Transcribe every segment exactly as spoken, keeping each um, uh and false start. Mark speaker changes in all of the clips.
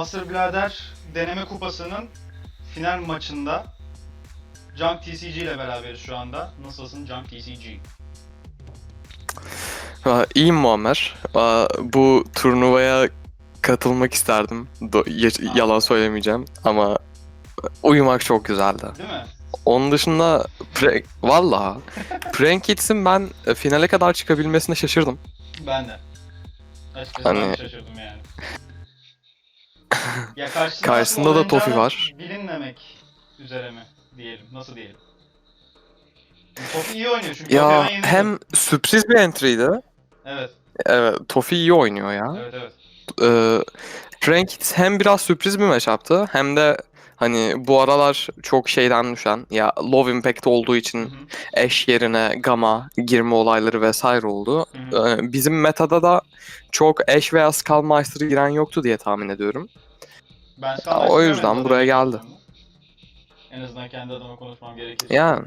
Speaker 1: Master Blader deneme kupasının final maçında Junk T C G ile beraberiz şu anda. Nasılsın Junk T C G?
Speaker 2: Aa, İyiyim Muammer. Aa, Bu turnuvaya katılmak isterdim. Do- ye-
Speaker 1: Aa.
Speaker 2: yalan söylemeyeceğim ama uyumak çok güzeldi.
Speaker 1: Değil mi?
Speaker 2: Onun dışında pre- valla Prank Kids'in ben e, finale kadar çıkabilmesine şaşırdım.
Speaker 1: Ben de. Açıkçası ben de
Speaker 2: Hani
Speaker 1: şaşırdım yani. Ya karşısında nasıl
Speaker 2: karşısında da Tofi
Speaker 1: oynayacağını
Speaker 2: var.
Speaker 1: bilinmemek üzere mi diyelim? Nasıl diyelim? Tofi iyi oynuyor çünkü Tofi
Speaker 2: Ya
Speaker 1: ben yenildim.
Speaker 2: hem sürpriz bir entry'ydi.
Speaker 1: Evet.
Speaker 2: Evet, Tofi iyi oynuyor ya.
Speaker 1: Evet evet.
Speaker 2: Ee, Prank Kids hem biraz sürpriz bir matchup'tı hem de hani bu aralar çok şeyden düşen ya low impact olduğu
Speaker 1: Hı
Speaker 2: için
Speaker 1: hı.
Speaker 2: Ashe yerine Gamma girme olayları vesaire oldu.
Speaker 1: Hı hı.
Speaker 2: Ee, bizim metada da çok Ashe veya Skullmaster giren yoktu diye tahmin ediyorum.
Speaker 1: Ben
Speaker 2: Ya,
Speaker 1: Skullmaster
Speaker 2: o
Speaker 1: görmedim
Speaker 2: yüzden
Speaker 1: zaten
Speaker 2: buraya
Speaker 1: ilk
Speaker 2: geldi.
Speaker 1: oynadığımda. En azından kendi adıma konuşmam gerekirse.
Speaker 2: Yani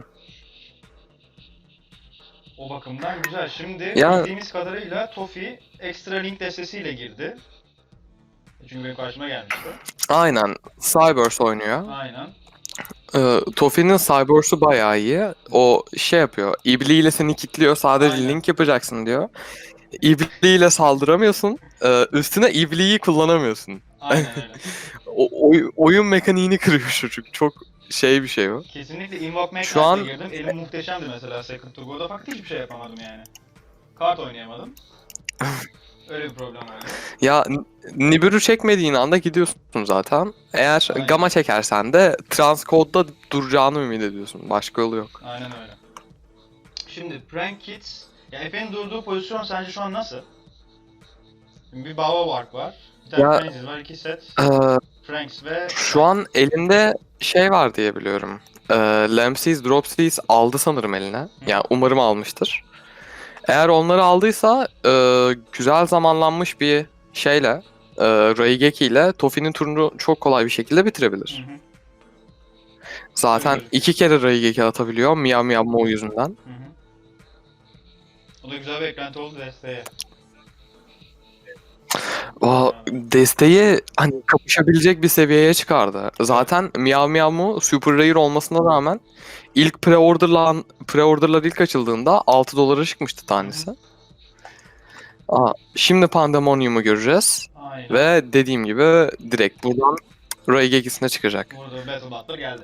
Speaker 1: O bakımdan güzel. Şimdi
Speaker 2: ya
Speaker 1: bildiğimiz kadarıyla Tofi Extra Link destesiyle girdi. Çünkü benim karşıma gelmişti.
Speaker 2: aynen Cyberse oynuyor.
Speaker 1: Aynen.
Speaker 2: Ee, Tofi'nin Cyberse'u bayağı iyi. O şey yapıyor. İbliğiyle seni kilitliyor. Sadece
Speaker 1: Aynen.
Speaker 2: link yapacaksın diyor. İbliğiyle saldıramıyorsun. Ee, üstüne ibliği kullanamıyorsun.
Speaker 1: Aynen öyle.
Speaker 2: O, oy- oyun mekaniğini kırıyor çocuk. Çok şey bir şey o.
Speaker 1: Kesinlikle Invoke
Speaker 2: Şu
Speaker 1: Mage
Speaker 2: an
Speaker 1: Knight'le girdim. Elim muhteşemdi mesela Second to Go'da fakat hiçbir şey yapamadım yani. Kart oynayamadım. Öyle bir problem oldu.
Speaker 2: ya N- Nibiru çekmediğin anda gidiyorsun zaten. Eğer
Speaker 1: Aynen.
Speaker 2: Gamma çekersen de Transcode'da duracağını ümit ediyorsun. Başka yolu yok.
Speaker 1: Aynen öyle. Şimdi Prank Kids, ya Efe'nin durduğu pozisyon sence şu an nasıl? Şimdi bir Baba Bark var. Bir tane
Speaker 2: Ya
Speaker 1: Frenzies var. iki set
Speaker 2: e,
Speaker 1: Franks ve
Speaker 2: şu an elinde şey var diye biliyorum. E, Lampseas, Dropseas aldı sanırım eline.
Speaker 1: Hı.
Speaker 2: Yani umarım almıştır. Eğer onları aldıysa e, güzel zamanlanmış bir şeyle e, Raigeki ile Tofi'nin turunu çok kolay bir şekilde
Speaker 1: Hı
Speaker 2: bitirebilir.
Speaker 1: hı. Öyle
Speaker 2: Zaten
Speaker 1: gözüküyor.
Speaker 2: iki kere Raigeki atabiliyor Miyav Miyav Mo yüzünden.
Speaker 1: Hı hı. O da güzel bir eklenti oldu desteğe.
Speaker 2: O desteği hani kapışabilecek bir seviyeye çıkardı.
Speaker 1: Evet.
Speaker 2: Zaten Miyav Miyav Mo Super Rare olmasına rağmen ilk pre-order'lan pre-order'lar ilk açıldığında altı dolara çıkmıştı tanesi. Aa, şimdi Pandemonium'u göreceğiz.
Speaker 1: Aynen.
Speaker 2: Ve dediğim gibi direkt buradan Raigekisine çıkacak.
Speaker 1: Burada Battle Butler geldi.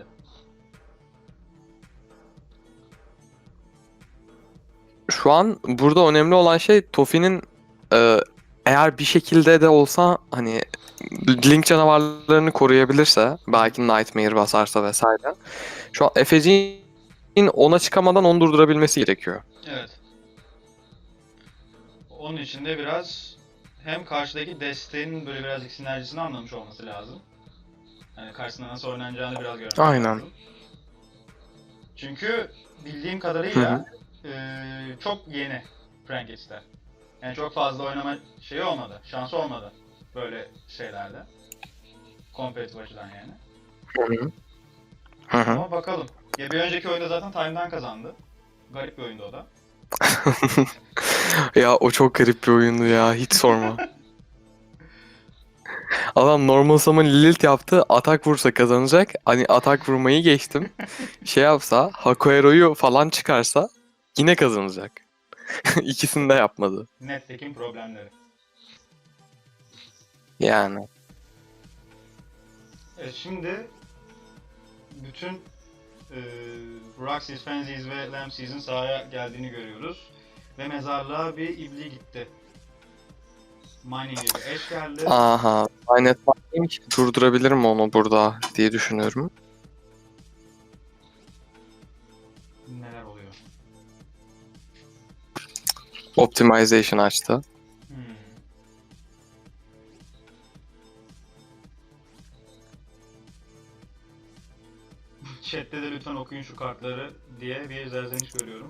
Speaker 2: Şu an burada önemli olan şey Tofi'nin e, eğer bir şekilde de olsa hani Link canavarlarını koruyabilirse belki Nightmare basarsa vesaire. Şu an Efeci'nin ona çıkamadan onu durdurabilmesi gerekiyor.
Speaker 1: Evet. Onun için de biraz hem karşıdaki desteğin böyle birazcık sinerjisini anlamış olması lazım. Yani karşısında nasıl oynanacağını biraz görmesi
Speaker 2: Aynen.
Speaker 1: lazım. Çünkü bildiğim
Speaker 2: Hı hı.
Speaker 1: kadarıyla eee, çok yeni Prankets'ler. Yani çok fazla oynama şeyi olmadı, şansı olmadı böyle şeylerde. Kompetitif açıdan yani.
Speaker 2: Hı hı. Hı hı.
Speaker 1: Ama bakalım. Ya bir önceki oyunda zaten Time'dan kazandı. Garip bir oyundu o da.
Speaker 2: Ya o çok garip bir oyundu ya, hiç sorma. Adam normal summon Lilith yaptı, atak vursa kazanacak. Hani atak vurmayı geçtim. Şey yapsa, Hakoero'yu falan çıkarsa yine kazanacak. İkisini de yapmadı.
Speaker 1: Nettekin problemleri.
Speaker 2: Yani.
Speaker 1: Evet şimdi bütün eee Roxys, Frenzies ve Lampseas'in sahaya geldiğini görüyoruz. Ve mezarlığa bir ibli gitti. Mining'e bir eş geldi.
Speaker 2: Aha. Aynet Mining durdurabilirim onu burada diye düşünüyorum.
Speaker 1: Neler oluyor?
Speaker 2: Optimization açtı.
Speaker 1: Hmm. Chat'te de lütfen okuyun şu kartları diye bir zerzeniş görüyorum.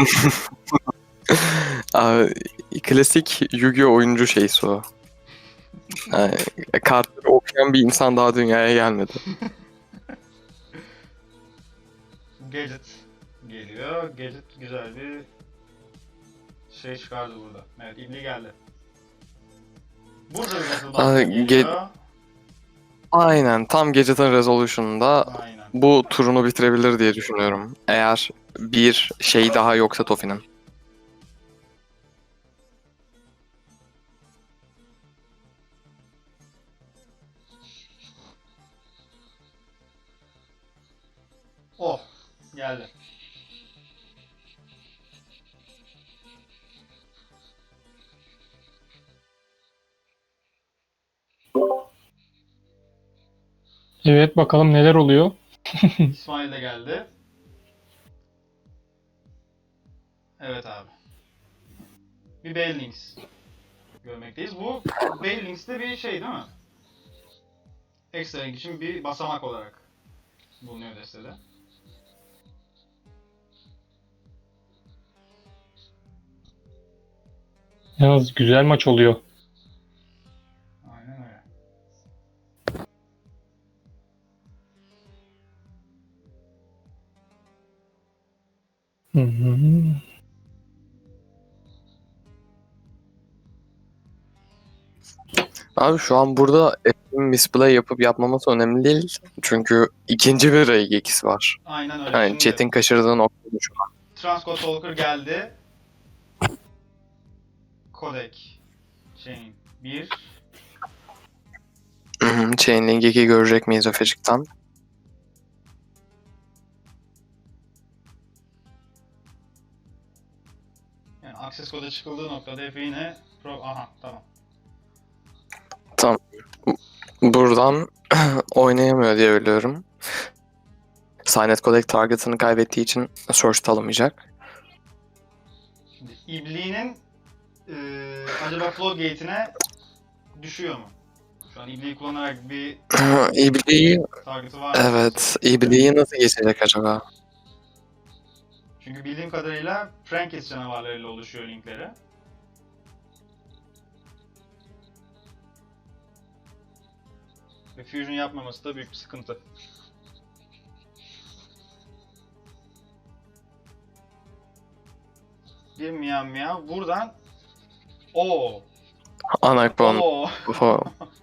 Speaker 2: Aa, klasik Yu-Gi-Oh oyuncu şeysi o. Yani, kartları okuyan bir insan daha dünyaya gelmedi.
Speaker 1: Gadget geliyor. Gadget güzel bir şey çıkardı burada. Evet, İbli geldi. Burada bir Battle
Speaker 2: Aa,
Speaker 1: Buster
Speaker 2: ge-
Speaker 1: geliyor.
Speaker 2: Aynen tam Gadget'ın Resolution'da
Speaker 1: Aynen.
Speaker 2: bu turunu bitirebilir diye düşünüyorum. Eğer bir şey daha yoksa Tofi'nin.
Speaker 1: Oh, geldi.
Speaker 3: Evet, bakalım neler oluyor.
Speaker 1: İsmail de geldi. Evet abi. Bir Bailings görmekteyiz. Bu Bailings de bir şey değil mi? Ekstra renk için bir basamak olarak bulunuyor destede.
Speaker 3: Yalnız güzel maç oluyor.
Speaker 1: Aynen öyle.
Speaker 3: Hı hı.
Speaker 2: Abi şu an burada Apple'in misplay yapıp yapmaması önemli değil. Çünkü ikinci bir R G ikisi var.
Speaker 1: Aynen öyle.
Speaker 2: Yani
Speaker 1: Şimdi
Speaker 2: chat'in kaçırdığı nokta bu şu an.
Speaker 1: Transcode Talker geldi. Codec Chain bir.
Speaker 2: Hı hı, Chainlink iki görecek miyiz Öfecik'ten?
Speaker 1: Yani access koda çıkıldığı noktada Efe yine pro... Aha tamam.
Speaker 2: Tamam. Buradan oynayamıyor diye biliyorum. Signet Codec target'ını kaybettiği için search alamayacak.
Speaker 1: Şimdi İbli'nin eee acaba floodgate'ine düşüyor mu? Şu an İbli'yi kullanarak bir
Speaker 2: İbli'yi,
Speaker 1: target'ı var mı?
Speaker 2: evet, İbli'yi nasıl geçecek acaba?
Speaker 1: Çünkü bildiğim kadarıyla Frankis canavarlarıyla oluşuyor linkleri. Ve fusion yapmaması da büyük bir sıkıntı. Bir miyav miyav. Buradan o
Speaker 2: Anakbon.
Speaker 1: o
Speaker 2: Ufo.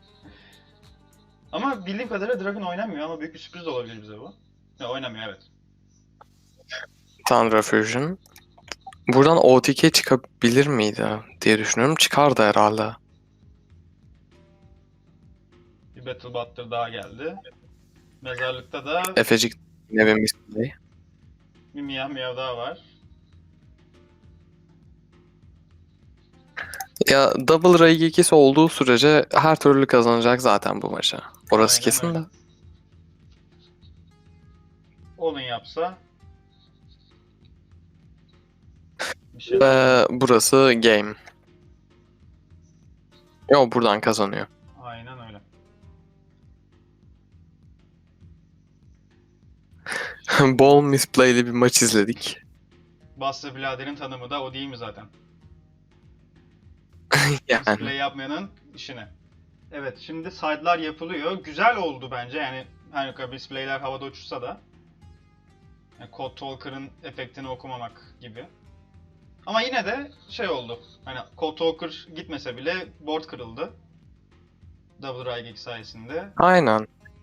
Speaker 1: Ama bildiğim kadarıyla Dragon oynamıyor ama büyük bir sürpriz de olabilir bize bu. Ya oynamıyor evet.
Speaker 2: Tundra Fusion. Buradan O T K çıkabilir miydi diye düşünüyorum. Çıkardı herhalde.
Speaker 1: Bir Battle Butter daha geldi. Mezarlıkta da
Speaker 2: Efecik yine bir misplay.
Speaker 1: bir miyav miyav daha var.
Speaker 2: Ya Double R G ikisi olduğu sürece her türlü kazanacak zaten bu maçı. Orası
Speaker 1: Aynen
Speaker 2: kesin
Speaker 1: öyle.
Speaker 2: de.
Speaker 1: Onun yapsa bir şey.
Speaker 2: Ve burası game. Yo buradan kazanıyor.
Speaker 1: Aynen öyle.
Speaker 2: Bol misplay'li bir maç izledik.
Speaker 1: Buster Blader'in tanımı da o değil mi zaten?
Speaker 2: Yani
Speaker 1: Display yapmayanın işine. Evet şimdi side'lar yapılıyor. Güzel oldu bence yani her ne kadar display'ler havada uçuşsa da. Yani Code Talker'ın efektini okumamak gibi. Ama yine de şey oldu. Hani Code Talker gitmese bile board kırıldı. Double Ray Geek sayesinde.
Speaker 2: aynen.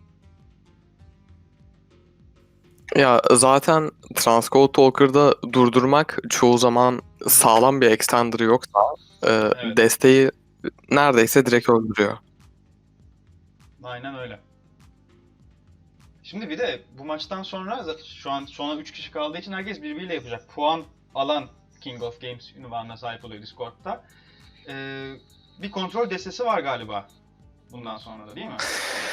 Speaker 2: Ya zaten Transcode Talker'da durdurmak çoğu zaman sağlam bir extender yoksa e,
Speaker 1: Evet.
Speaker 2: desteği neredeyse direkt öldürüyor.
Speaker 1: Aynen öyle. Şimdi bir de bu maçtan sonra şu an sona üç kişi kaldığı için herkes birbiriyle yapacak. Puan alan King of Games ünvanına sahip oluyor Discord'da. Ee, bir kontrol destesi var galiba bundan sonra da değil mi?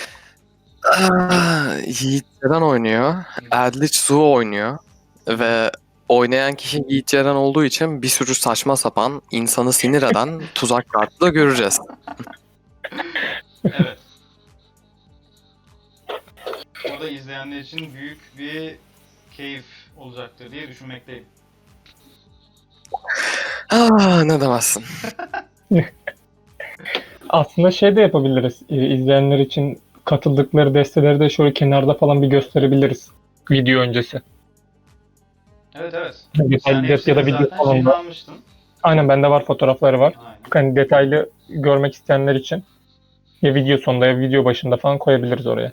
Speaker 2: Ah, Yiğit Ceren oynuyor. Eldritch Zoo oynuyor. Ve oynayan kişi Yiğit Ceren olduğu için bir sürü saçma sapan, insanı sinir eden tuzak kartı da göreceğiz.
Speaker 1: Evet. O da izleyenler için büyük bir keyif olacaktır diye düşünmekteyim.
Speaker 2: Ah, ne demezsin.
Speaker 3: Aslında şey de yapabiliriz. Ee, izleyenler için katıldıkları desteleri de şöyle kenarda falan bir gösterebiliriz. Video öncesi.
Speaker 1: Evet evet.
Speaker 3: Yani
Speaker 1: Sen
Speaker 3: detaylı ya da
Speaker 1: hepsini
Speaker 3: video
Speaker 1: zaten
Speaker 3: falan
Speaker 1: şeyini
Speaker 3: da.
Speaker 1: almıştın.
Speaker 3: Aynen bende var, fotoğrafları var.
Speaker 1: Aynen.
Speaker 3: Yani detaylı görmek isteyenler için Ya video sonunda ya video başında falan koyabiliriz oraya.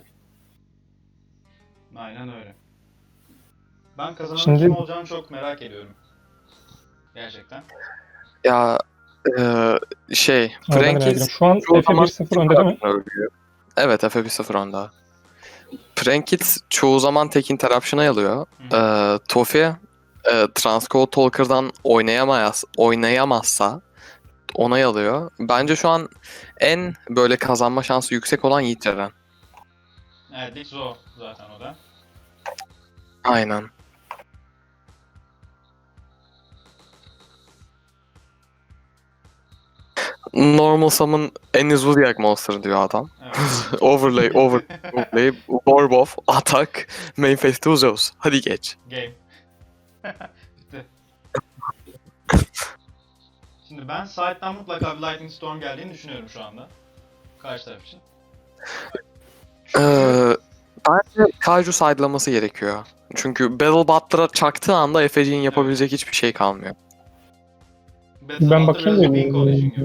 Speaker 1: Aynen öyle. Ben kazananın
Speaker 3: Şimdi-
Speaker 1: kim olacağını çok merak ediyorum. Gerçekten.
Speaker 2: Ya e, şey
Speaker 3: Ama ben de merak ediyorum.
Speaker 2: Prankit
Speaker 3: Şu an
Speaker 2: çoğu
Speaker 3: Efe
Speaker 2: zaman
Speaker 3: bir sıfır önde değil mi?
Speaker 2: ölüyor. Evet, Efe bir sıfır önde. Prankit çoğu zaman tek interruption'a alıyor.
Speaker 1: Hı.
Speaker 2: Ee, Tofi e, Transcode Talker'dan oynayamaz, oynayamazsa onay alıyor. Bence şu an en böyle kazanma şansı yüksek olan Yiğit Ceren.
Speaker 1: Evet, Dix o zaten o da.
Speaker 2: Aynen. Normal summon any Zodiac monster diyor adam.
Speaker 1: Evet.
Speaker 2: Overlay, over, overlay, Warbuff, atak, main phase to Zeus. Hadi geç.
Speaker 1: Game. Bitti. Şimdi ben side'dan mutlaka bir Lightning Storm geldiğini düşünüyorum şu anda. Karşı taraf için.
Speaker 2: Ee, bence Kaiju sidelaması gerekiyor. Çünkü Battle Butler'a çaktığı anda Efeci'nin yapabilecek hiçbir şey kalmıyor.
Speaker 1: Battle
Speaker 3: bakayım
Speaker 1: biraz
Speaker 3: da-
Speaker 1: Wing Collision gibi.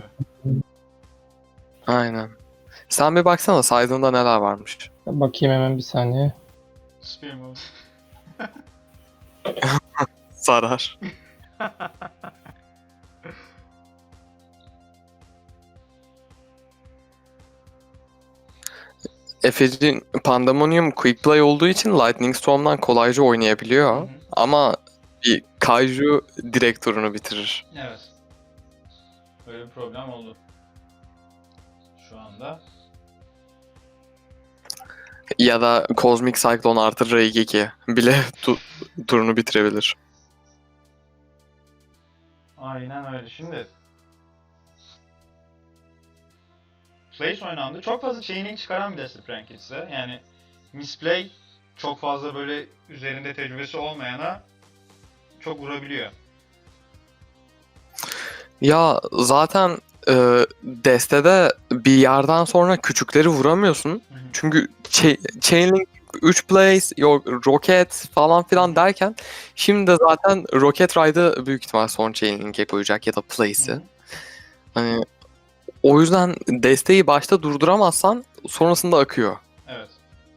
Speaker 2: Aynen. Sen bir baksana side'ında neler varmış.
Speaker 3: Bakayım hemen bir saniye.
Speaker 1: Spear move.
Speaker 2: Zarar. Efeci Pandemonium Quick Play olduğu için Lightning Storm'dan kolayca oynayabiliyor.
Speaker 1: Hı hı.
Speaker 2: Ama bir Kaiju direkt turunu bitirir.
Speaker 1: Evet. Böyle bir problem oldu. Şu anda.
Speaker 2: Ya da Cosmic Cyclone artı R iki bile tu- turunu bitirebilir.
Speaker 1: Aynen öyle. Şimdi Place oynandı. Çok fazla chaining çıkaran bir deste Prankits'e. Yani misplay çok fazla böyle üzerinde tecrübesi olmayana çok vurabiliyor.
Speaker 2: Ya zaten e, destede bir yerden sonra küçükleri vuramıyorsun.
Speaker 1: Hı hı.
Speaker 2: Çünkü cha- Chainlink üç place, yok Rocket falan filan derken şimdi de zaten Rocket Ride'ı büyük ihtimal son Chainlink'e koyacak ya da
Speaker 1: Hı
Speaker 2: Place'i.
Speaker 1: hı.
Speaker 2: Hani o yüzden desteği başta durduramazsan sonrasında akıyor.
Speaker 1: Evet.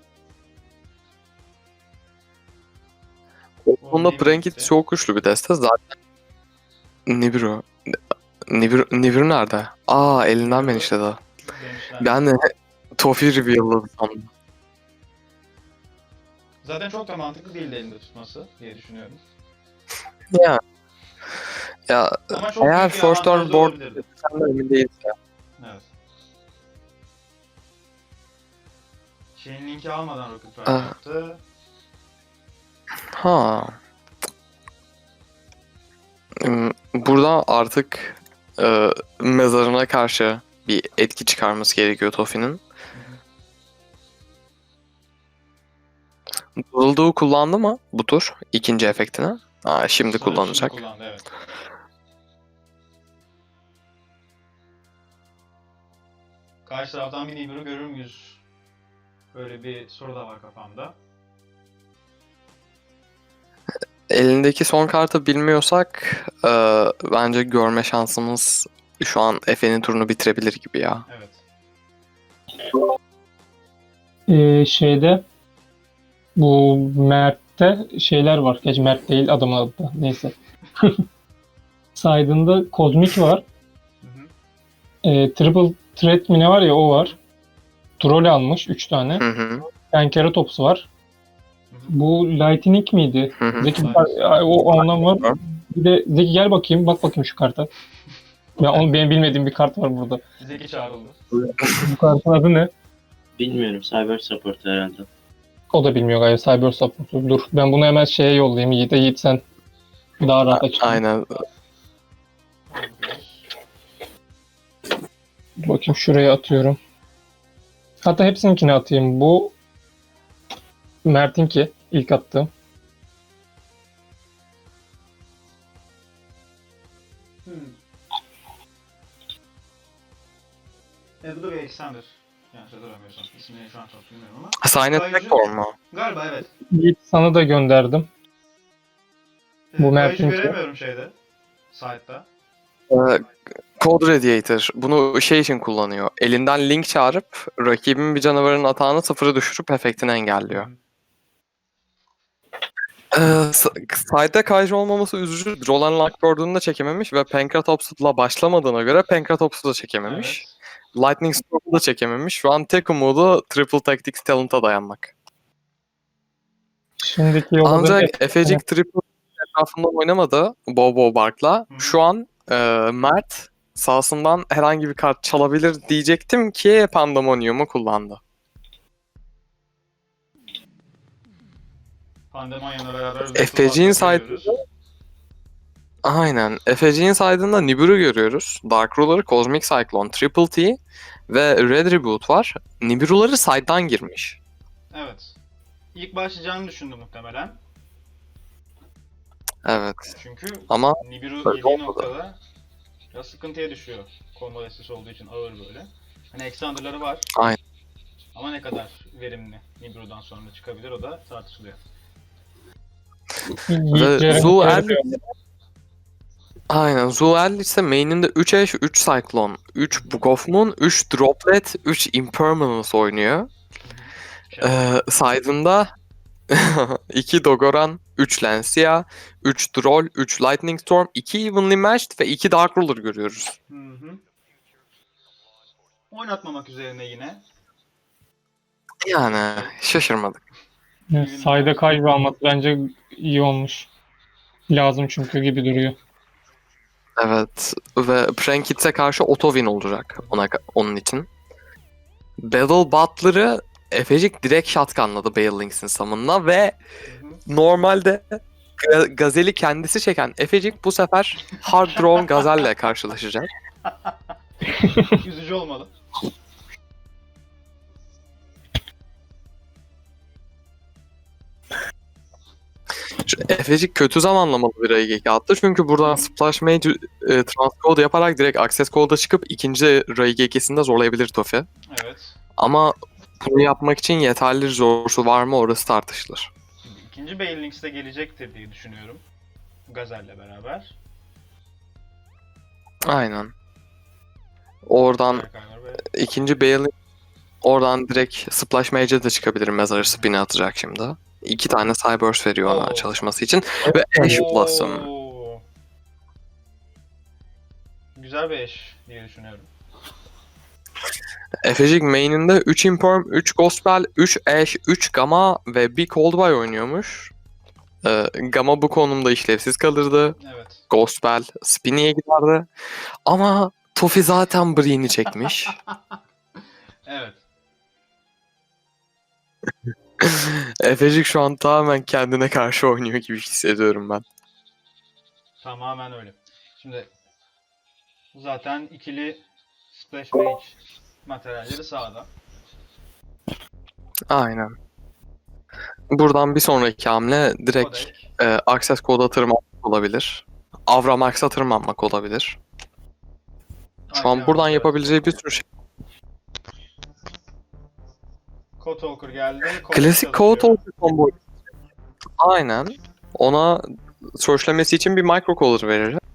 Speaker 2: Bunda
Speaker 1: Nibiru
Speaker 2: Prankit
Speaker 1: gitti.
Speaker 2: çok güçlü bir deste zaten. Nibiru. Nibiru, Nibiru nerede? Aa, elinden ben
Speaker 1: Nibiru.
Speaker 2: işledi.
Speaker 1: Demişler.
Speaker 2: Ben de Tofi reveal'ladı sandım.
Speaker 1: Zaten çok da mantıklı değil de elinde tutması diye düşünüyorum.
Speaker 2: Ya. Ya
Speaker 1: Ama çok
Speaker 2: eğer
Speaker 1: büyük bir
Speaker 2: first turn
Speaker 1: avantajı
Speaker 2: board
Speaker 1: olabilirdi.
Speaker 2: sen de emin değilse.
Speaker 1: Evet. Chain linki almadan Rocket Ride
Speaker 2: Ah.
Speaker 1: yaptı.
Speaker 2: Ha. Hmm, Burada artık e, mezarına karşı bir etki çıkarması gerekiyor Tofi'nin. Durulduğu kullandı mı bu tur ikinci efektini? Aa, şimdi
Speaker 1: Sanırım
Speaker 2: kullanacak.
Speaker 1: Şimdi kullandı, evet. Karşı taraftan bir Nibiru görür müyüz? Böyle bir soru da var kafamda.
Speaker 2: Elindeki son kartı bilmiyorsak e, bence görme şansımız şu an Efe'nin turunu bitirebilir gibi ya.
Speaker 1: Evet.
Speaker 3: Ee, şeyde bu Mert'te şeyler var. Gerçi Mert değil adamın adı da. Neyse. Side'ında Kozmik var.
Speaker 1: Hı hı.
Speaker 3: Ee, Triple Threat mi ne var ya o var. Troll almış üç tane.
Speaker 2: Hı hı.
Speaker 3: Enkeratops var.
Speaker 1: Hı hı.
Speaker 3: Bu Lightning miydi?
Speaker 2: Hı hı.
Speaker 3: Zeki
Speaker 1: Lightning.
Speaker 3: Ay, o ondan var.
Speaker 2: Var.
Speaker 3: Bir de Zeki gel bakayım. Bak bakayım şu karta. Ya onun benim bilmediğim bir kart var burada.
Speaker 1: Zeki çağrıldı.
Speaker 3: Bu kartın adı ne?
Speaker 4: Bilmiyorum. Cyber Support herhalde.
Speaker 3: O da bilmiyor galiba. Cyber Support. Dur ben bunu hemen şeye yollayayım. Yiğit'e. Yiğit sen daha rahat aç.
Speaker 2: Aynen.
Speaker 3: Bakayım şuraya atıyorum. Hatta hepsininkini atayım. Bu Mert'inki ilk attığım.
Speaker 1: Hmm. Ebru ve Alexander. Yanlış hatırlamıyorsam. İsimleri şu an çok bilmiyorum ama.
Speaker 2: Sign
Speaker 1: Kaiju-
Speaker 2: Attack form mu?
Speaker 1: Galiba evet.
Speaker 3: Yiğit sana da gönderdim. Bu
Speaker 1: Bu
Speaker 3: Mert'in
Speaker 1: Mert'in
Speaker 3: ki.
Speaker 1: göremiyorum şeyde. Site'da.
Speaker 2: Ee, Code Radiator bunu şey için kullanıyor. Elinden link çağırıp rakibin bir canavarın atağını sıfıra düşürüp efektini engelliyor. Ee, s- side'de Kaiju olmaması üzücü. Roland Lockboard'unu da çekememiş ve Pankratops'la başlamadığına göre Pankratops'u da çekememiş.
Speaker 1: Evet.
Speaker 2: Lightning Storm'u da çekememiş. Şu an tek umudu Triple Tactics Talent'a dayanmak.
Speaker 3: Şimdiki yolu da
Speaker 2: Ancak Efecik Triple etrafında oynamadı Bobo Bark'la.
Speaker 1: Hı.
Speaker 2: Şu an e, Mert sahasından herhangi bir kart çalabilir diyecektim ki Pandemonium'u kullandı.
Speaker 1: Pandemonya'la beraber
Speaker 2: F P G'nin
Speaker 1: Battle
Speaker 2: side-
Speaker 1: görüyoruz.
Speaker 2: Aynen. Efeci'nin side'ında Nibiru görüyoruz. Dark Ruler, Cosmic Cyclone, Triple T ve Red Reboot var. Nibiru'ları side'dan girmiş.
Speaker 1: Evet. İlk başlayacağını düşündü muhtemelen.
Speaker 2: Evet.
Speaker 1: Çünkü
Speaker 2: Ama
Speaker 1: Nibiru
Speaker 2: böyle
Speaker 1: yediği
Speaker 2: olmadı.
Speaker 1: noktada biraz sıkıntıya düşüyor. Combo destesi olduğu için ağır böyle. Hani Exander'ları var.
Speaker 2: Aynen.
Speaker 1: Ama ne kadar verimli Nibiru'dan sonra çıkabilir o da tartışılıyor.
Speaker 2: Ve Zuel Aynen. Zuel ise main'inde üç Ash, üç Cyclone, üç Book of Moon, üç Droplet, üç Impermanence oynuyor.
Speaker 1: Şey,
Speaker 2: Ee, side'ında iki Dogoran, üç Lancia, üç Droll, üç Lightning Storm, iki Evenly Matched ve iki Dark Ruler görüyoruz.
Speaker 1: Hı hı. Oynatmamak üzerine yine.
Speaker 2: Yani şaşırmadık.
Speaker 3: sayda kaybı almak bence iyi olmuş. Lazım çünkü gibi duruyor.
Speaker 2: Evet ve Prankits'e karşı auto win olacak ona, onun için. Battle Butler'ı Efecik direkt shotgunladı Bale Links'in summon'ına ve
Speaker 1: Hı hı.
Speaker 2: normalde Ga- Gazel'i kendisi çeken Efecik bu sefer Hard Drawn Gazel'le karşılaşacak.
Speaker 1: Üzücü olmalı.
Speaker 2: Şu Efecik kötü zamanlamalı bir Raigeki attı çünkü buradan Splash Mage e, Transcode yaparak direkt Access Code'a çıkıp ikinci Raigekisinde zorlayabilir Tofi.
Speaker 1: Evet.
Speaker 2: Ama bunu yapmak için yeterli resource'u var mı orası tartışılır.
Speaker 1: Şimdi ikinci Bale Links de gelecektir diye düşünüyorum. Gazel'le beraber.
Speaker 2: Aynen. Oradan
Speaker 1: Berkaylar ve
Speaker 2: ikinci Bale oradan direkt Splash Mage'e de çıkabilir. Mezarı spin'i atacak şimdi. İki tane Cyburst veriyor ona
Speaker 1: Oo.
Speaker 2: çalışması için. Ve Ash Blossom.
Speaker 1: Oo. Güzel bir eş diye düşünüyorum.
Speaker 2: Efecik main'inde üç Imperm, üç Gospel, üç Ash, üç Gamma ve bir Coldboy oynuyormuş. Ee, Gamma bu konumda işlevsiz kalırdı.
Speaker 1: Evet.
Speaker 2: Gospel Spinny'e giderdi. Ama Tofi zaten Breen'i çekmiş.
Speaker 1: Evet.
Speaker 2: Efecik şu an tamamen kendine karşı oynuyor gibi hissediyorum ben.
Speaker 1: Tamamen öyle. Şimdi zaten ikili Splash Mage materyalleri sağda.
Speaker 2: Aynen. Buradan bir sonraki hamle direkt
Speaker 1: Kodek.
Speaker 2: e, Access Code'a tırmanmak olabilir. Avramax'a tırmanmak olabilir. Şu an
Speaker 1: Aynen
Speaker 2: buradan
Speaker 1: öyle.
Speaker 2: yapabileceği bir sürü şey.
Speaker 1: Code Talker geldi.
Speaker 2: Klasik Code Talker combo. Aynen. Ona searchlemesi için bir microcaller verir.
Speaker 1: Hı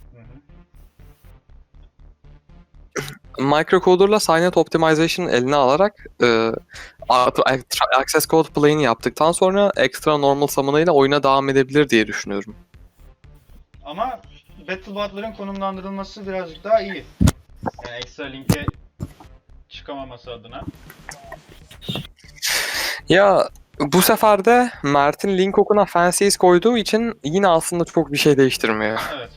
Speaker 1: hı.
Speaker 2: Microcaler'la Signet Optimization eline alarak e, Access Code play'ini yaptıktan sonra extra normal summon ile oyuna devam edebilir diye düşünüyorum.
Speaker 1: Ama Battle Bot'ların konumlandırılması birazcık daha iyi. Yani ekstra linke çıkamaması adına.
Speaker 2: Ya bu sefer de Mert'in link okuna Fancies koyduğu için yine aslında çok bir şey değiştirmiyor.
Speaker 1: Evet.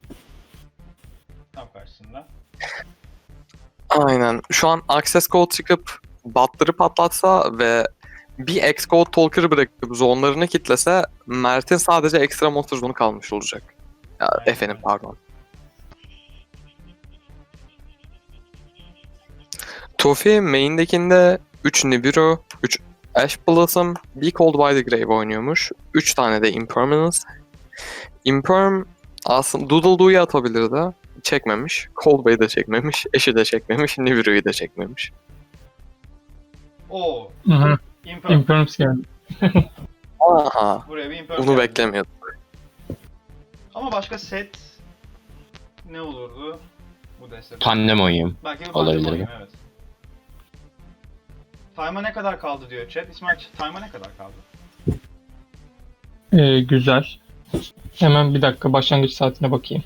Speaker 1: Tam karşısında.
Speaker 2: Aynen. Şu an Access Code çıkıp botları patlatsa ve bir X-Code Talker'ı bırakıp zonlarını kitlese Mert'in sadece ekstra monster zonu kalmış olacak. Ya
Speaker 1: Aynen
Speaker 2: efendim
Speaker 1: öyle.
Speaker 2: pardon. Tofi main'dekinde üç Nibiru, üç Ash Blossom, bir Cold by the Grave oynuyormuş. üç tane de Impermanence. Imperm aslında Doodle Doo'yu atabilirdi. Çekmemiş. Cold Bay'i de çekmemiş. Ash'i de çekmemiş. Nibiru'yu da çekmemiş.
Speaker 1: Oo.
Speaker 3: Hı hı.
Speaker 1: Imperm.
Speaker 3: Imperms geldi.
Speaker 2: Aha.
Speaker 1: Buraya bir Imperm
Speaker 2: Bunu
Speaker 1: geldi.
Speaker 2: beklemiyordum.
Speaker 1: Ama başka set ne olurdu bu destede?
Speaker 5: Pandemonium.
Speaker 1: Belki bir
Speaker 5: olabilir
Speaker 1: Pandemonium,
Speaker 5: mi?
Speaker 1: evet. Time'a ne kadar kaldı diyor chat. İsmail, time'a ne kadar kaldı?
Speaker 3: Ee, güzel. Hemen bir dakika başlangıç saatine bakayım.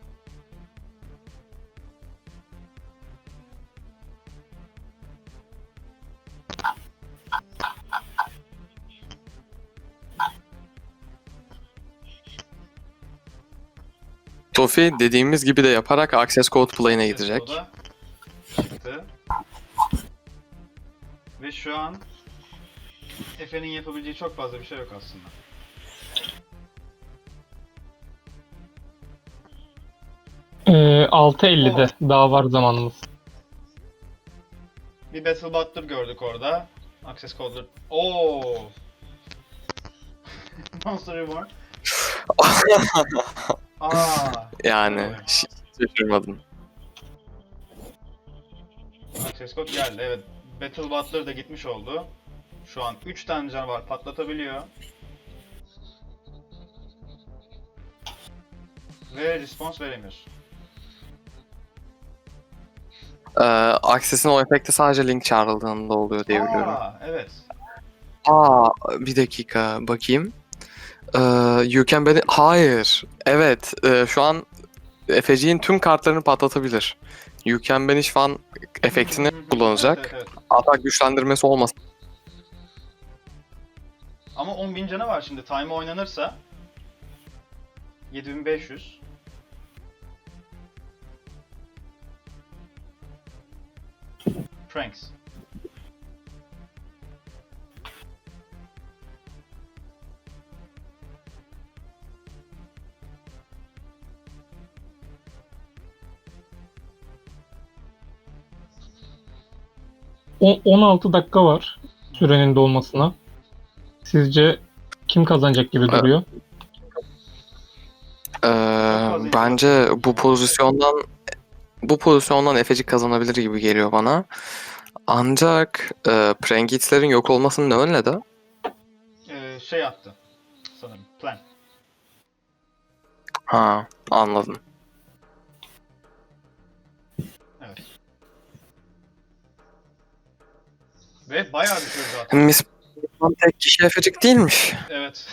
Speaker 2: Tofi dediğimiz gibi de yaparak Access Code Play'ine gidecek.
Speaker 1: O da çıktı. Ve şu an Efe'nin yapabileceği çok fazla bir şey yok aslında.
Speaker 3: Ee, altı ellide daha var zamanımız.
Speaker 1: Bir Battle Butler gördük orada. Access Code'lar. Oo. Monster Reborn. Aa.
Speaker 2: Yani
Speaker 1: Evet.
Speaker 2: hiç şaşırmadım.
Speaker 1: Access Code geldi, evet. Battle Butler da gitmiş oldu. Şu an üç tane canavar patlatabiliyor. Ve response veremiyorsun.
Speaker 2: Ee, Access'in o efekti sadece link çağrıldığında oluyor diye biliyorum.
Speaker 1: Aa, evet.
Speaker 2: Aa, bir dakika bakayım. Ee, you can beni... Hayır. Evet. e, şu an Efeciğin tüm kartlarını patlatabilir. You can banish fan efektini kullanacak.
Speaker 1: Evet, evet, evet.
Speaker 2: Atak güçlendirmesi olmasın.
Speaker 1: Ama on bin canı var şimdi. Time oynanırsa yedi bin beş yüz. Pranks.
Speaker 3: O- on altı dakika var sürenin dolmasına. Sizce kim kazanacak gibi duruyor?
Speaker 2: Ee, bence bu pozisyondan bu pozisyondan Efecik kazanabilir gibi geliyor bana. Ancak e, Prangit'lerin yok olmasının ne önledi?
Speaker 1: Ee, şey attı. Sanırım. Plan.
Speaker 2: Ha, anladım.
Speaker 1: Evet. Ve bayağı bir süre zaten.
Speaker 2: Miss tek kişi Efecik değilmiş.
Speaker 1: Evet.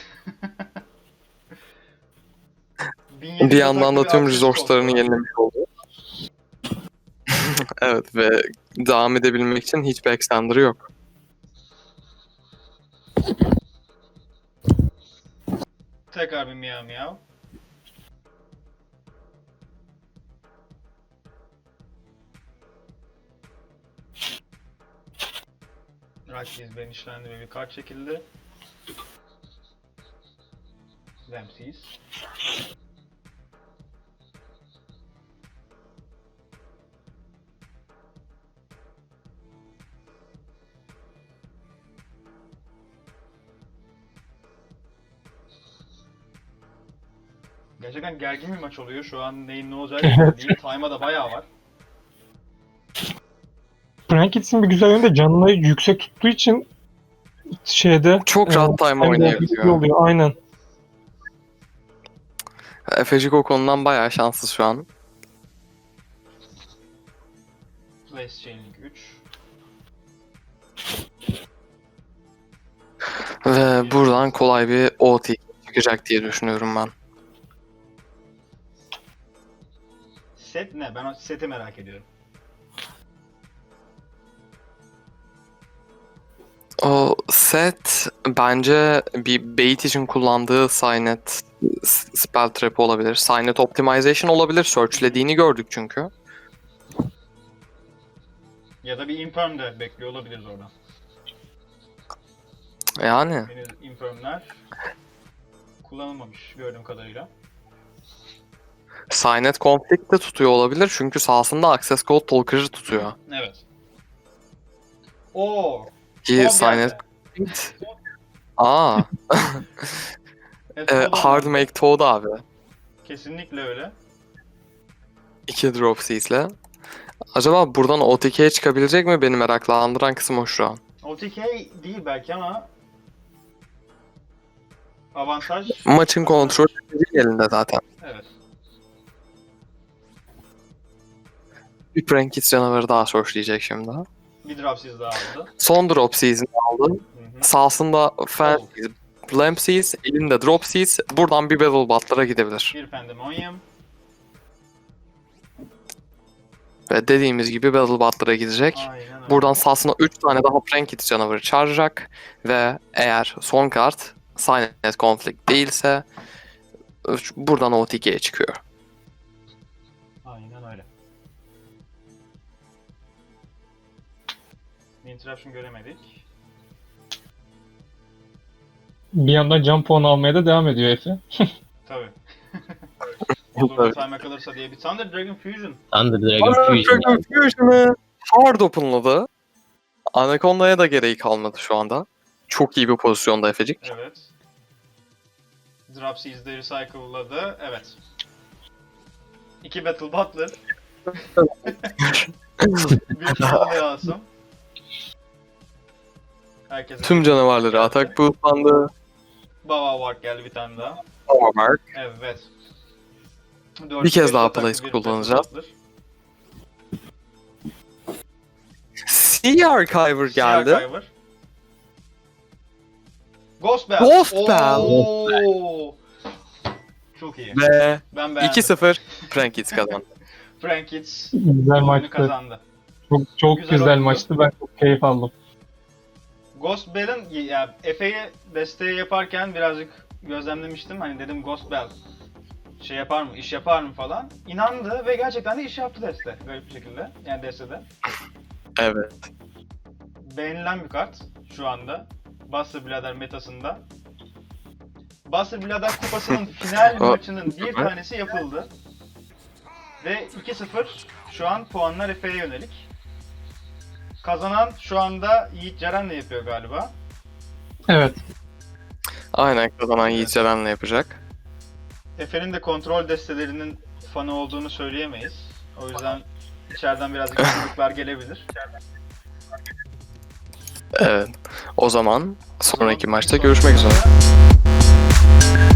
Speaker 2: Bir yandan da tüm resource'larını yenilemiş oldu. Evet ve devam edebilmek için hiçbir extender'ı yok.
Speaker 1: Tekrar bir miyav miyav. Rakis benişlendi ve bir kart çekildi. Ramses. Gerçekten gergin bir maç oluyor. Şu an neyin ne olacağı belli değil. Time'a da bayağı var.
Speaker 3: Prankits'in bir güzel yönü de canını yüksek tuttuğu için şeyde
Speaker 2: Çok rahat time
Speaker 3: hem
Speaker 2: oynayabiliyor.
Speaker 3: de oluyor. Aynen.
Speaker 2: Efecik o konudan bayağı şanssız şu an.
Speaker 1: Place Chaining üç.
Speaker 2: Ve buradan kolay bir O T çıkacak diye düşünüyorum ben.
Speaker 1: Set ne? Ben o seti merak ediyorum.
Speaker 2: O set bence bir bait için kullandığı Signet s- spell trap olabilir. Signet optimization olabilir. Searchlediğini gördük çünkü.
Speaker 1: Ya da bir Imperm de bekliyor olabiliriz oradan.
Speaker 2: Yani
Speaker 1: Henüz Imperm'ler kullanılmamış gördüğüm kadarıyla.
Speaker 2: Signet conflict de tutuyor olabilir çünkü sahasında Access Code Talker'ı tutuyor.
Speaker 1: Evet. Oo.
Speaker 2: Ki
Speaker 1: Son geldi.
Speaker 2: Signet Aa,
Speaker 1: Evet,
Speaker 2: e,
Speaker 1: Toad
Speaker 2: Hard
Speaker 1: geldi.
Speaker 2: Make Toad abi.
Speaker 1: Kesinlikle öyle.
Speaker 2: İki drop seas'le. Acaba buradan O T K'ye çıkabilecek mi? Beni meraklandıran kısım o şu an.
Speaker 1: O T K değil belki ama avantaj.
Speaker 2: Maçın kontrolü elinde zaten.
Speaker 1: Evet.
Speaker 2: Bir Prankits canavarı daha sourceleyecek şimdi.
Speaker 1: Bir Dropsies daha aldı.
Speaker 2: Son Drop Seas'ini aldı.
Speaker 1: Hı hı.
Speaker 2: Sağsında Fancies, Lampsies, elinde Drop Seas. Buradan bir Battle Bot'lara gidebilir.
Speaker 1: Bir Pandemonium.
Speaker 2: Ve dediğimiz gibi Battle Bot'lara gidecek.
Speaker 1: Aynen öyle.
Speaker 2: Buradan sahasına üç tane daha Prankits canavarı çağıracak. Ve eğer son kart Signet Conflict değilse buradan O T K'ye çıkıyor.
Speaker 1: Aynen öyle. Bir interruption göremedik.
Speaker 3: Bir yandan can puanı almaya da devam ediyor Efe.
Speaker 1: Tabii. Olur da time'a kalırsa diye bir Thunder Dragon Fusion.
Speaker 4: Thunder Dragon Fusion.
Speaker 2: Dragon Fusion'ı hard open'ladı. Anaconda'ya da gereği kalmadı şu anda. Çok iyi bir pozisyonda Efecik.
Speaker 1: Evet. Dropsies'de recycle'ladı. Evet. İki Battle Butler. Bir Final'de alsın. Herkese
Speaker 2: Tüm canavarları atak boostlandı.
Speaker 1: Baba Warg geldi bir tane daha.
Speaker 2: Overmark.
Speaker 1: Evet.
Speaker 2: Bir kez daha
Speaker 1: ataklı
Speaker 2: place
Speaker 1: bir
Speaker 2: kullanacağız.
Speaker 1: Battle Butler.
Speaker 2: Sea Archiver
Speaker 1: Sea
Speaker 2: geldi.
Speaker 1: Archiver. Ghost Bell.
Speaker 2: Ghost Bell.
Speaker 1: Oo. Çok iyi.
Speaker 2: Ve
Speaker 1: Ben beğendim.
Speaker 2: iki sıfır Prankits kazandı.
Speaker 1: Frankits
Speaker 3: Güzel
Speaker 1: oyunu
Speaker 3: maçtı.
Speaker 1: kazandı.
Speaker 3: Çok, çok
Speaker 1: Güzel
Speaker 3: güzel,
Speaker 1: oldu.
Speaker 3: maçtı. Ben çok keyif aldım.
Speaker 1: Ghost Bell'in yani Efe'ye desteği yaparken birazcık gözlemlemiştim. Hani dedim Ghost Bell şey yapar mı, iş yapar mı falan. İnandı ve gerçekten de iş yaptı deste. Garip bir şekilde. Yani destede.
Speaker 2: Evet.
Speaker 1: Beğenilen bir kart şu anda. Buster Blader metasında. Buster Blader kupasının final
Speaker 2: O-
Speaker 1: maçının bir tanesi yapıldı. Ve iki sıfır şu an puanlar Efe'ye yönelik. Kazanan şu anda Yiğit Ceren'le yapıyor galiba.
Speaker 3: Evet.
Speaker 2: Aynen kazanan Yiğit Ceren'le yapacak.
Speaker 1: Efe'nin de kontrol destelerinin fanı olduğunu söyleyemeyiz. O yüzden içeriden birazcık kızılıklar gelebilir.
Speaker 2: Evet. O zaman sonraki
Speaker 1: Son-
Speaker 2: maçta
Speaker 1: son-
Speaker 2: görüşmek üzere.